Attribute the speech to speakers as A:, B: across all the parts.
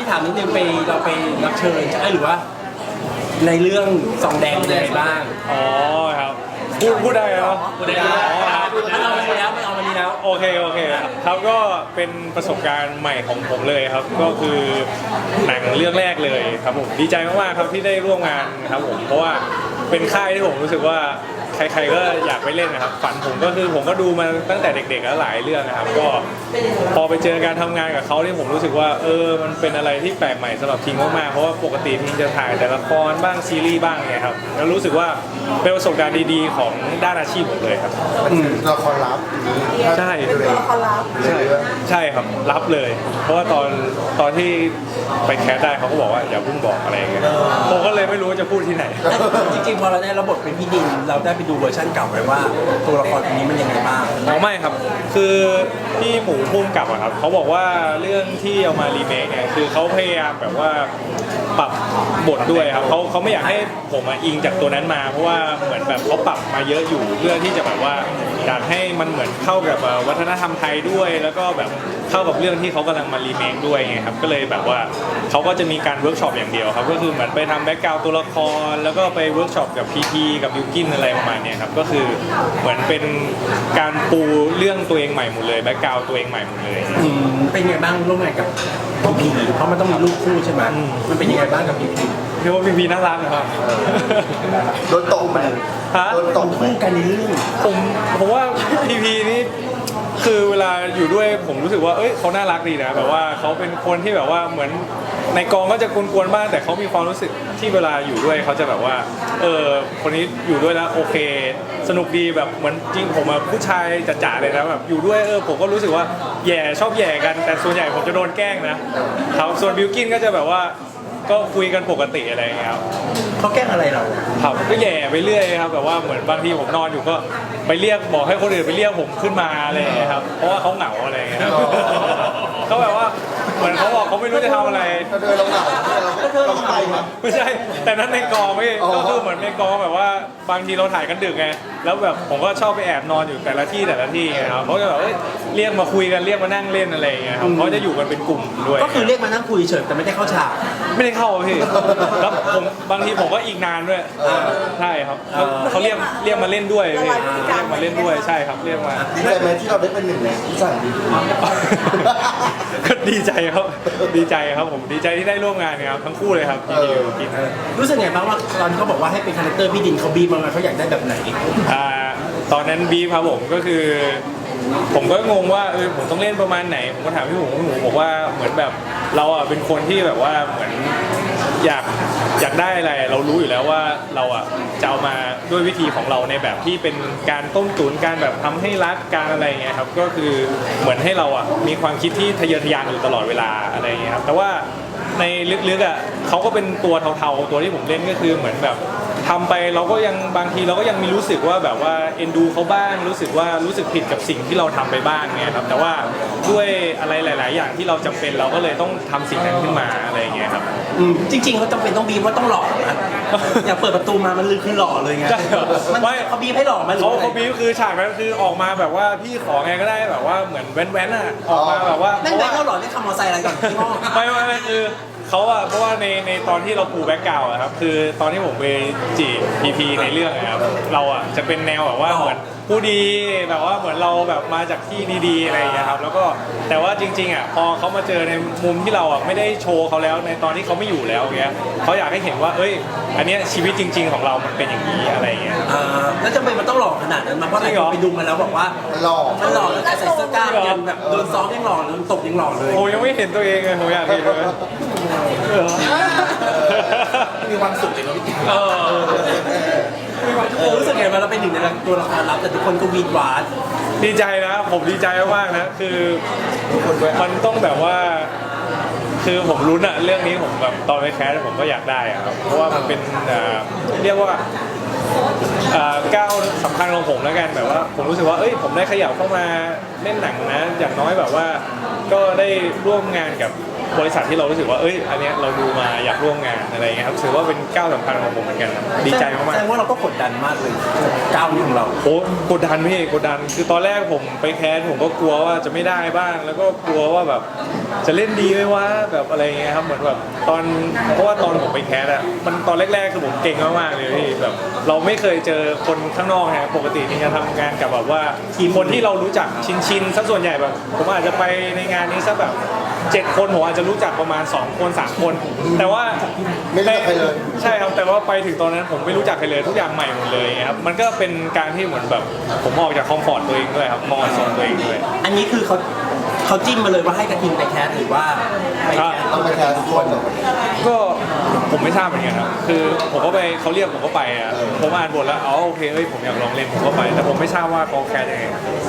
A: ถามนิดนึงเราไปรับเชิญใช่หรือว่าในเรื่องซองแดงเป็นยังไงบ้าง
B: อ๋อครับพูดได้แล้ว
A: พูดได้ครับมันเอามาดีแล้ว
B: โอเคครับก็เป็นประสบการณ์ใหม่ของผมเลยครับก็คือหนังเรื่องแรกเลยครับผมดีใจมากๆครับที่ได้ร่วมงานครับผมเพราะว่าเป็นค่ายที่ผมรู้สึกว่าใครๆก็อยากไปเล่นนะครับฝันผมก็คือผมก็ดูมาตั้งแต่เด็กๆแล้วหลายเรื่องนะครับก็พอไปเจอการทำงานกับเขาที่ผมรู้สึกว่ามันเป็นอะไรที่แปลกใหม่สำหรับทีมมากๆเพราะว่าปกติทีมจะถ่ายแต่ละครบ้างซีรีส์บ้างเนี่ยครับแล้วรู้สึกว่าเป็นประสบการณ์ดีๆของด้านอาชีพผมเลยครับ
C: ละครลับ
B: ใช่
C: ละครลับ
B: ใช่ครับรับเลย เพราะว่าตอนที่ไปแคสได้เขาก็บอกว่าอย่าเพิ่งบอกอะไรอย่างเงี้ยผมก็เลยไม่รู้จะพูดที่ไหน
A: จริงๆพอเราได้รับบทเป็นพี่ดินเราได้ไปดูเวอร์ชันเก่าไหมว่าตัวละครตัวนี้มันยังไงบ้าง
B: อ๋อไม่ครับคือพี่หมูพุ่มกับอะครับเขาบอกว่าเรื่องที่เอามารีเมคเนี่ยคือเขาพยายามแบบว่าปรับบทด้วยครับเขาไม่อยากให้ผมอิงจากตัวนั้นมาเพราะว่าเหมือนแบบเขาปรับมาเยอะอยู่เพื่อที่จะแบบว่าอยากให้มันเหมือนเข้ากับวัฒนธรรมไทยด้วยแล้วก็แบบเข้ากับเรื่องที่เขากำลังมารีเมคด้วยไงครับก็เลยแบบว่าเขาก็จะมีการเวิร์กช็อปอย่างเดียวครับก็คือเหมือนไปทำแบ็กกราวด์ตัวละครแล้วก็ไปเวิร์กช็อปกับพีกับบิวกินอะไรประมาณนี้ครับก็คือเหมือนเป็นการปูเรื่องตัวเองใหม่หมดเลยแบ็กกราวด์ตัวเองใหม่หมดเลย
A: เป็นไงบ้างร่วมงานกับพีเพราะมันต้องมีลูกคู่ใช่ไหมมันเป็นยังไงบ้างกับพี
B: เรียกว่าพีน่ารักนะครับ
C: โดนตกไป
A: โดนตกคู่กันในเรื่อง
B: ผมว่าพีนี่คือเวลาอยู่ด้วยผมรู้สึกว่าเขาน่ารักดีนะแบบว่าเขาเป็นคนที่แบบว่าเหมือนในกองก็จะกวนๆบ้างแต่เขามีความรู้สึกที่เวลาอยู่ด้วยเขาจะแบบว่าคนนี้อยู่ด้วยแล้วโอเคสนุกดีแบบเหมือนจริงผมผู้ชายจ๋าๆเลยนะแบบอยู่ด้วยผมก็รู้สึกว่าชอบแย่กันแต่ส่วนใหญ่ผมจะโดนแกล้งนะครับส่วนบิวกินก็จะแบบว่าก็คุยกันปกติอะไรอย่างเงี้ยครับ
A: เขาแกล้งอะไรเรา
B: ครับก็แย่ไปเรื่อยครับแบบว่าเหมือนบางทีผมนอนอยู่ก็ไปเรียกบอกให้คนอื่นไปเรียกผมขึ้นมาอะไรอย่างเงี้ยครับเพราะว่าเขาเหงาอะไรอย่างเงี้ยเขาแบบว่าเหมือนเขาบอกเขาไม่รู้จะทำอะไร
C: เดินลงหนังเราไป
B: ไม่ใช่แต่นั้นในกองไม่ก็คือเหมือนในกองแบบว่าบางทีเราถ่ายกันดึกไงแล้วแบบผมก็ชอบไปแอบนอนอยู่แต่ละที่ไงครับเขาจะแบบเรียกมาคุยกันเรียกมานั่งเล่นอะไรอย่างเงี้ยครับเขาจะอยู่กันเป็นกลุ่มด้วย
A: ก็คือเรียกมานั่งคุยเฉยแต่ไม่ได้เข้าฉาก
B: ไม่ได้เข้าพี่แล้วผมบางทีผมก็อีกนานด้วยใช่ครับเขาเรียกมาเล่นด้วยพี่เรียกมาเล่นด้วยใช่ครับเรียกมา
C: ดีใจไหมที่เราได้เป็นหนึ่งในที่สั่งดี
B: ก็ดีใจครับผมดีใจที่ได้ร่วมงานครับทั้งคู่เลยครับกิน
A: รู้สึกไงบ้างว่าตอนเขาบอกว่าให้เป็นคาแรคเตอร์พี่ดินเขาบีบมาเขาอยากได้แบบไหน
B: ตอนนั้นบีบครับผมก็คือผมก็งงว่าผมต้องเล่นประมาณไหนผมก็ถามพี่หมูบอกว่าเหมือนแบบเราเป็นคนที่แบบว่าเหมือนอยากได้อะไรเรารู้อยู่แล้วว่าเราจะเอามาด้วยวิธีของเราในแบบที่เป็นการต้มตุ๋นการแบบทำให้รักการอะไรเงี้ยครับก็คือเหมือนให้เรามีความคิดที่ทะเยอทะยานอยู่ตลอดเวลาอะไรเงี้ยครับแต่ว่าในลึกๆเขาก็เป็นตัวเทาๆตัวที่ผมเล่นก็คือเหมือนแบบทำไปเราก็ยังบางทีเราก็ยังมีรู้สึกว่าแบบว่าเอ็นดูเขาบ้างรู้สึกผิดกับสิ่งที่เราทำไปบ้างไงครับแต่ว่าด้วยอะไรหลายๆอย่างที่เราจำเป็นเราก็เลยต้องทำสิ่งนั้นขึ้นมาอะไรอย่างเงี้ยครับ
A: จริงๆเขาจำเป็นต้องบีบว่าต้องหล่อนะอย่าเปิดประตูมามันคือหล่อเลยไงไม่เขาบีบให้หล่อไหม
B: เขาบีบคือฉากนั้นคือออกมาแบบว่าพี่ขอไงก็ได้แบบว่าเหมือนแว้นออกมาแบบว่า
A: นั่นไงเขาหล่อได้ขับมอเตอร์ไซค์อะไรก่อนพี่พ่อ
B: ไม่คือเขาเพราะว่าในตอนที่เราปูแบ็กกราวด์ครับคือตอนที่ผมไปจีบพีในเรื่องนะครับเราจะเป็นแนวแบบว่าเหมือนผู้ดีแบบว่าเหมือนเราแบบมาจากที่ดีๆอะไรอย่างเงี้ยครับแล้วก็แต่ว่าจริงๆพอเขามาเจอในมุมที่เราไม่ได้โชว์เขาแล้วในตอนที่เขาไม่อยู่แล้วเงี้ยเขาอยากให้เห็นว่าอันนี้ชีวิตจริงๆของเรามันเป็นอย่างนี้อะไรอย่างเงี้ย
A: แล้วจำเป็นมันต้องหล่อขนาดนั้นมาเพราะอะไรไปดูมาแล้วบอกว่ามันหล่อแล้วแต่ใส่เสื้อกล้ามยันแบบโดนซ้อมยังหล่อโดนตบยังหล่อเลย
B: โอ้ยังไม่เห็นตัวเองเลยผมอยากเห็นเลย
C: มีความสุขเลยเนาะพี่
A: รู้สึกไงว่าเราเป็นหนึ่งในตัวละครลับแต่ทุกคนก็วีดหวาน
B: ดีใจนะผมดีใจมากๆนะคือมันต้องแบบว่าคือผมรุ้นเรื่องนี้ผมแบบตอนไปแคสผมก็อยากได้ครับเพราะว่ามันเป็นเรียกว่าก้าวสำคัญของผมแล้วกันแบบว่าผมรู้สึกว่าผมได้ขยับเข้ามาเล่นหนังนะอย่างน้อยแบบว่าก็ได้ร่วมงานกับบริษัทที่เรารู้สึกว่าอันเนี้ยเราดูมาอยากร่วมงานอะไรเงี้ยครับถือว่าเป็นก้าวสำคัญของผมเหมือนกันครับดีใจมาก
A: แสดงว่าเราก็กดดันมากเลยก้าวนี้ของเรา
B: ๆโอ้กดดันพี่กดดันคือตอนแรกผมไปแคสผมก็กลัวว่าจะไม่ได้บ้าง แล้วก็กลัวว่าแบบจะเล่นดีไหมวะแบบอะไรเงี้ยครับเหมือนแบบเพราะว่าตอนผมไปแคสอะมันตอนแรกๆคือผมเก่งมากๆเลยพี่แบบเราไม่เคยเจอคนข้างนอกฮะปกตินี่จะทำงานกับแบบว่าคนที่เรารู้จักชินซะส่วนใหญ่แบบผมอาจจะไปในงานนี้สักแบบ7 คนผมอาจจะรู้จักประมาณ2 คน 3 คน แต่ว่า
C: ไม่รู้จักใครเลย
B: ใช่ครับแต่ว่าไปถึงตอนนั้นผมไม่รู้จักใครเลยทุกอย่างใหม่หมดเลยครับมันก็เป็นการที่เหมือนแบบผมออกจากคอมฟอร์ตตัวเองด้วยครับมองโซนตัวเองด้วย
A: อันนี้คือเขาจิ้มมาเลยว่าให้กระทิงไปแคสหรือว่าไปแคส
C: ต้องไปแทนทุกคนเหรอ
B: ก็ผมไม่ทราบเหมือนกันครับคือผมก็ไปเขาเรียกผมก็ไปอ่ะผมอ่านบทแล้วโอเคผมอยากลองเล่นผมก็ไป แต่ผมไม่ทราบว่าเขาแคสยังไง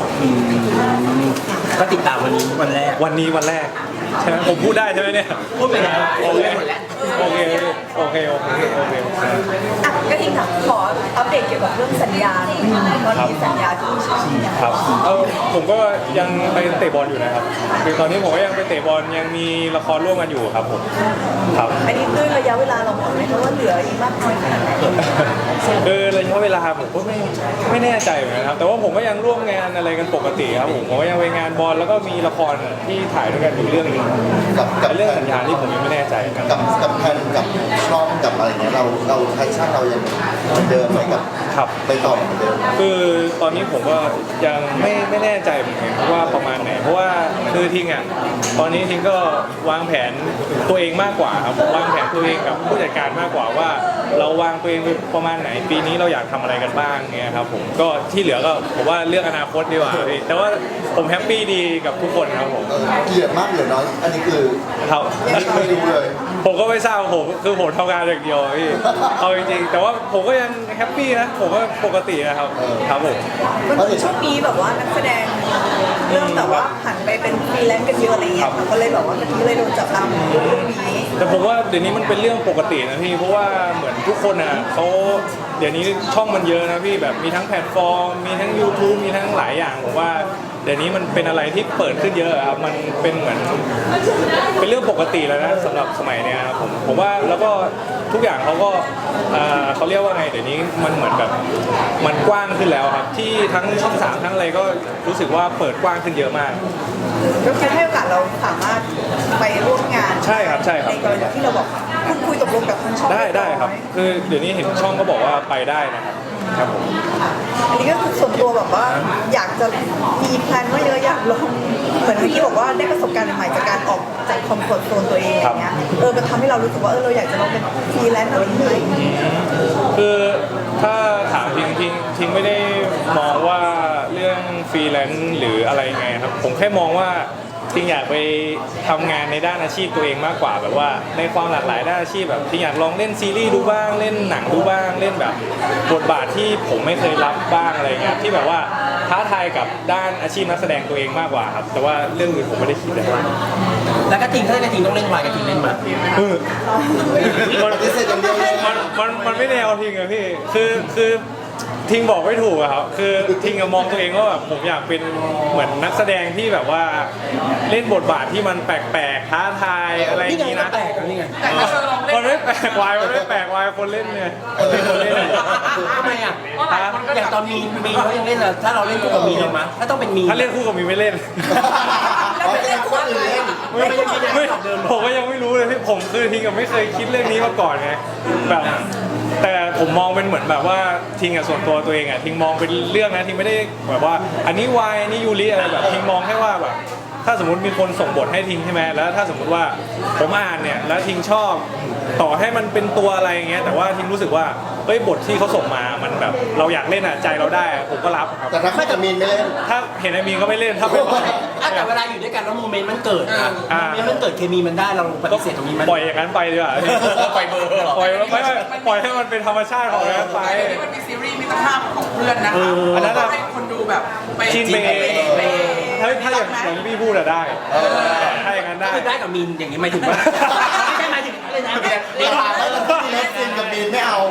A: ก็ติดตามวันนี้วันแรก
B: วันนี้วันแรกใช่ไหมผมพูดได้ใช่ไหมเนี่ย
A: พูดไปแล้ว
B: โอเคโอเคโอเคโอเคโอเค
D: อ่ะก็ทีค่ะขออัปเดตเกี่ยวกับเรื่องสัญญาหน่อยตอนนี้สัญญาที่ช่องเนี่ย
B: ครับผมก็ยังไปเตะบอลอยู่นะครับคือตอนนี้ผมก็ยังไปเตะบอลยังมีละครร่วมกันอยู่ครับผมครับ
D: อันนี้ด้วยระยะเวลาเราบอกไหมคะว่าเหลืออีกมากน้อยขนาดไหน
B: คือระยะเวลาผมก็ไม่แน่ใจเหมือนกันครับแต่ว่าผมก็ยังร่วมงานอะไรกันปกติครับผมก็ยังไปงานบอลแล้วก็มีละครที่ถ่ายด้วยกันอยู่เรื่องหนึง
C: กับ
B: แต่เรื่องสัญญาที่ผมยังไม่แน่ใจกัน
C: กับแทนกับช่องกับอะไรเงี้ยเราแพชชั่นเรายังเหมือนเดิมไหมกับ
B: ครับ
C: ไปต่อเหมือนเดิม
B: คือตอนนี้ผมก็ยังไม่แน่ใจเหมือนกันว่าประมาณไหนเพราะว่าคือทิงอ่ะตอนนี้ทิงก็วางแผนตัวเองมากกว่าครับวางแผนตัวเองกับผู้จัดการมากกว่าว่าเราวางตัวเองไปประมาณไหนปีนี้เราอยากทำอะไรกันบ้างเงี้ยครับผมก็ที่เหลือก็ผมว่าเรื่องอนาคตดีกว่าพี่แต่ว่าผมแฮปปี้ดีกับทุกคนครับผม
C: เหลือมากเหลือน้อยอันนี้คือ
B: ครับ
C: ไม่รู้เลย
B: ผมก็ไม่ทราบผมทำงานอย่างเดียวพี่เอาจริงๆแต่ว่าผมก็ยังแฮปปี้นะผมก็ปกตินะครับครับผม
D: มันคือช่วงนี้แบบว่านักแสดงเริ่มแบบว่าหันไปเป็นฟรีแลนซ์กันเยอะอะไรเงี้ยค่ะก็เลยแบบว่าเมื่อกี้เลยโดนจับตามองเรื่องนี้
B: แต่ผมว่าเดี๋ยวนี้มันเป็นเรื่องปกตินะพี่เพราะว่าเหมือนทุกคนอ่ะเขาเดี๋ยวนี้ช่องมันเยอะนะพี่แบบมีทั้งแพลตฟอร์มมีทั้ง YouTube มีทั้งหลายอย่างผมว่าเดี๋ยวนี้มันเป็นอะไรที่เปิดขึ้นเยอะครับมันเป็นเหมือนเป็นเรื่องปกติแล้วนะสำหรับสมัยเนี้ยครับผมว่าแล้วก็ทุกอย่างเขาก็เขาเรียกว่าไงเดี๋ยวนี้มันเหมือนแบบมันกว้างขึ้นแล้วครับที่ทั้งช่อง3ทั้งอะไรก็รู้สึกว่าเปิดกว้างขึ้นเยอะมาก
D: ก็คือให้โอกาสเราสามารถไปร่วมงาน
B: ใช่ครับใช่ครับ
D: ในกรณีที่เราบอกคุณคุยตกลงกับทางช่อง
B: ได้ครับคือเดี๋ยวนี้เห็นช่องก็บอกว่าไปได้นะครับครับผม
D: อันนี้ก็คือส่วนตัวแบบว่าอยากจะมีแพลนว่าเยอะอยากลองเหมือนเมื่อกี้บอกว่าได้ประสบการณ์ใหม่ๆจากการออกจากคอมฟอร์ตโซนตัวเองอย่างเงี้ยมันทำให้เรารู้สึกว่าเราอยากจะลองเป็นฟรีแลนซ์อะไรไหม
B: คือถ้าถามทิ้งไม่ได้มองว่าเรื่องฟรีแลนซ์หรืออะไรไงครับผมแค่มองว่าทิ้งอยากไปทำงานในด้านอาชีพตัวเองมากกว่าแบบว่าในความหลากหลายด้านอาชีพแบบทิ้งอยากลองเล่นซีรีส์ดูบ้างเล่นหนังดูบ้างเล่นแบบบทบาทที่ผมไม่เคยรับบ้างอะไรเงี้ยที่แบบว่าท้าทายกับด้านอาชีพนักแสดงตัวเองมากกว่าครับแต่ว่าเรื่องอื่นผมไม่ได้คิดเลย
A: แล้วกระทิงถ้ากระทิงต้องเล่นวายกระทิงเล่นมา
B: มัน
C: ปฏิเสธอย่างเดียวเลย
B: มันไม่แนวทิงอะพี่คือทิงบอกไม่ถูกอะครับคือทิงอะมองตัวเองว่าแบบผมอยากเป็นเหมือนนักแสดงที่แบบว่าเล่นบทบาทที่มันแปลกๆท้าทายอะไรอย่างนี้นะ
A: แปลกนี่ไง
B: มันไม่แปลกวายมันไม่แปลกวายคนเล่นเนี่ยคนเล่นเนี่ย
A: ทำไมอ่ะอย่างตอนมีเขายังเล่นเลยถ้าเราเล่นคู่กับมีเลยมั้ยถ้าต้องเป็นมี
B: ถ้าเล่นคู่กับมีไม่เล่น
C: อ๋อแสดงคนอื่นเล่น
B: ไม่ผมก็ยังไม่รู้เลยพี่ผมคือทิงกับไม่เคยคิดเรื่องนี้มาก่อนไงแบบแต่ผมมองเป็นเหมือนแบบว่าทิงกับส่วนตัวเองอะทิงมองเป็นเรื่องนะทิงไม่ได้แบบว่าอันนี้วายอันนี้ยูริอะไรแบบทิงมองแค่ว่าแบบถ้าสมมติมีคนส่งบทให้ทิงใช่ไหมแล้วถ้าสมมติว่าผมอ่านเนี่ยแล้วทิงชอบต่อให้มันเป็นตัวอะไรอย่างเงี้ยแต่ว่าทิงรู้สึกว่าเฮ้ยบทที่เขาส่งมามันแบบเราอยากเล่นอะใจเราได้อะผมก็รับครับ
C: แต่ถ้าไม่จะมีนไม่เล่น
B: ถ้าเห็นไอ้มีนก็ไม่เล่นถ้าเป็น
A: แต่เวลาอยู่ด้วยกันแล้วโมเมนต์มันเกิดอะโมเมนต์มันเกิดเคมีมันได้เราปฏิเสธตรงนี้มัน
B: ปล่อยอย่างนั้นไปดีกว่า
A: ปล่อยเบอร์เหรอ
B: ปล่อยให้มันเป็นธรรมชาติของนั้นไป
E: นี่มันมีซีรีส์มิตรภาพของเพื่อนนะคะ
B: อันนั้นอะ
E: ให้คนดูแบบไป
B: ชินเบย์ถ้าอย่างพี่พูดอะได้ถ้าอย่างนั้นได้
A: คือได้กับมีนอย่างนี้หมายถึงว่าไม่ใช่หมายถึงอะไรนะ
C: เวลาแล้วที่เล่นซีนกับมีนไม่เอา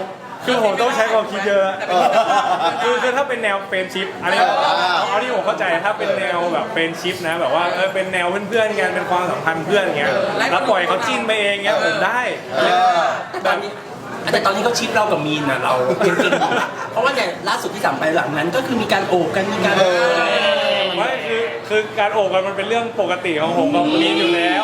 B: คือผมต้องใช้ความคิดเยอะคือถ้าเป็นแนวเฟรนชิพอันนี้เอาที่ผมเข้าใจถ้าเป็นแนวแบบเฟรนชิพนะแบบว่าเป็นแนวเพื่อนๆกันเป็นความสัมพันธ์เพื่อนอย่างเงี้ยแล้วปล่อยเขาจิ้นไปเองเงี้ยผมได้
A: แต่ตอนนี้เขาชิปเรากับมีนนะเราเป็นเก่งอยู่นะเพราะว่าเนี่ยล่าสุดที่สั่งไปหลังนั้นก็คือมีการโอบกันมีการ
B: ไม่คือการโอบกันมันเป็นเรื่องปกติของผมกับมีนอยู่แล้ว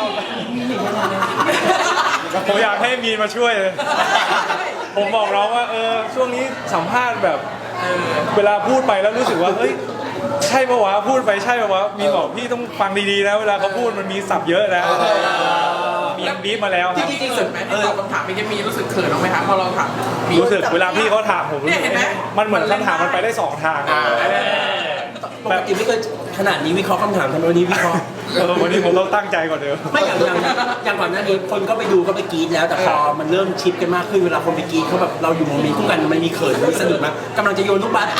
B: ผมอยากให้มีนมาช่วยเลยผมบอกน้องว่าช่วงนี้สัมภาษณ์แบบเวลาพูดไปแล้วรู้สึกว่าเฮ้ยใช่ปะวะพูดไปใช่ปะวะมีนบอกพี่ต้องฟังดีๆนะเวลาเขาพูดมันมีศัพท์เยอะนะมีบีบมาแล้วครับ
E: จริงๆเขินไหมที่ตอบคำถามไม่ได้มีรู้สึกเขินบ้างไหมคะพอเราถามมี
B: รู้สึกเวลาพี่เขาถามผมรู้สึกมันเหมือนคำถามมันไปได้สองทาง
A: ปกติไม่เคยขนาดนี้วิเคราะห์คำถามทำไมวันนี้วิเคราะห์
B: วันนี้ผมต้องตั้งใจก่อนเดิม
A: ไม่อย่างก่อนหน้านี้คนก็ไปดูก็ไปกรี๊ดแล้วแต่พอมันเริ่มชิปกันมากขึ้นเวลาคนไปกรี๊ดเขาแบบเราอยู่โมเมนต์คู่กันมันมีเขินมีสนุกมั้ยกำลังจะโยนลูกบาส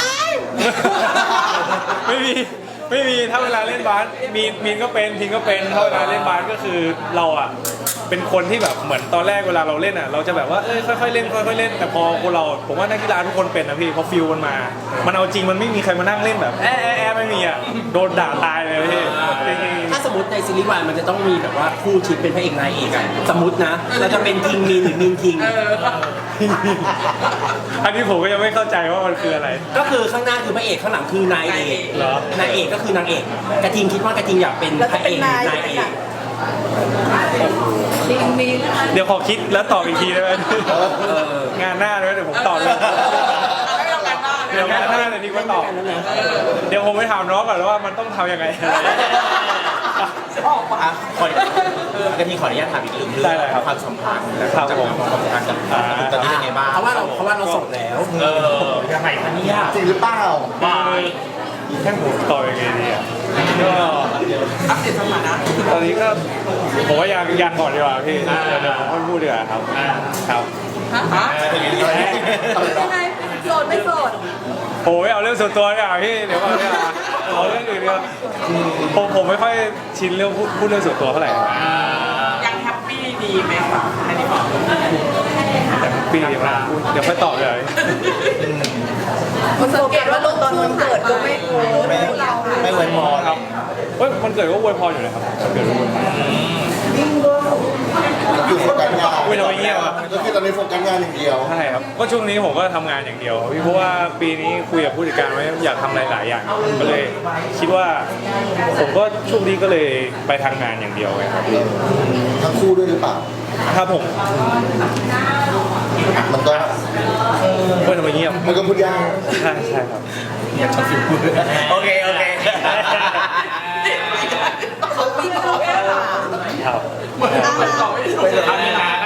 B: ไม่มีถ้าเวลาเล่นบาสมีนก็เป็นพิงก็เป็นถ้าเวลาเล่นบาสก็คือเราอ่ะเป็นคนที่แบบเหมือนตอนแรกเวลาเราเล่นอ่ะเราจะแบบว่าค่อยๆเล่นค่อยๆเล่นแต่พอคนเราผมว่านักกีฬาทุกคนเป็นนะพี่พอฟิลมันมามันเอาจริงมันไม่มีใครมานั่งเล่นแบบไม่มีอ่ะโดนด่าตายเลยพี่จริง
A: ถ้าสมมติในซีรีส์วายมันจะต้องมีแบบว่าคู่ชิปเป็นพระเอกนายเอกอะสมมตินะเราจะเป็นทิงมีนหรือมีนทิง
B: อันนี้ผมก็ยังไม่เข้าใจว่ามันคืออะไร
A: ก็คือข้างหน้าคือพระเอกข้างหลังคือนายเอก
B: เหรอ
A: นายเอกก็คือนางเอกกระทิงคิดว่ากระทิงอยากเป็นพระเอกหรือนายเอก
D: ลิงมี
B: เดี๋ยวขอคิดแล้วตอบอีกทีได้ไหมงานหน้าเลยเดี๋ยวผมตอบเลย
E: ไม่ต้องการบ้าน
B: เดี๋ยวงานหน้าเลยดีกว่าตอบเดี๋ยวผมไปถามน้องก่อนว่ามันต้องทำยังไง
C: กะทิขออนุญาตถามอีกเรื่อง
B: ได้เลยครับ
C: ความสัมพันธ์
B: ครับผม
C: ความสัมพันธ์กับตอนนี้เป็นไงบ้าง
A: เพราะว่าเราโสดแล้ว
C: ยังไงคะเนี่ยจริงหรือเปล่า
B: แค่ผมตอบยังไงดีอ่ะก็
E: อัปเดตสถานะ
B: ตอนนี้ก็ผมว่ายังก่อนดีกว่าพี่เดี๋ยวผมพูดดีกว่าครับครับ
E: ฮะ
D: ยังไงโสดไม่โสด
B: โอ้ยเอาเรื่องส่วนตัวดีกว่าพี่เดี๋ยวก่อนดีกว่าเอาเรื่องอื่นดีกว่าผมไม่ค่อยชินเรื่องพูดเรื่องส่วนตัวเท่าไหร่
E: ยังแฮปปี้ดีไหมคะอันนี้บอก
B: แต่ปีเดียวนะเดี๋ยวค่อยตอบเลย
D: มันสังเกตว่าตอนวันเกิดก็ไม่โอ้เรา
C: ไม่ไว้มอ
B: ครับ เฮ้ยมันเกิดก็อวยพรอยู่เลยครับมันเกิดก็อวยพร
D: วิ่งก็
C: คือโฟกัสงาน
B: อุ๊ยทำไมเงียบอ่ะ
C: ก็คือตอนนี้โฟกัสงานอย่างเดียว
B: ใช่ครับก็ช่วงนี้ผมก็ทำงานอย่างเดียวพี่เพราะว่าปีนี้คุยกับผู้จัดการไว้อยากทำหลายๆอย่างก็เลยคิดว่าผมก็ช่วงนี้ก็เลยไปทางงานอย่างเดียวไงครับ
C: ทั้งคู่ด้วยหรือเปล่า
B: ครับผม
C: มันก็
B: เฮ้ยทำไมเงียบ
C: มันก็พูดยาก
B: ใช่ใช่ครับ
C: โอเค
D: เขาวิ่งก็แค่ถาม
B: ครับ
E: ตอบไม่ถูก
C: ไปเลย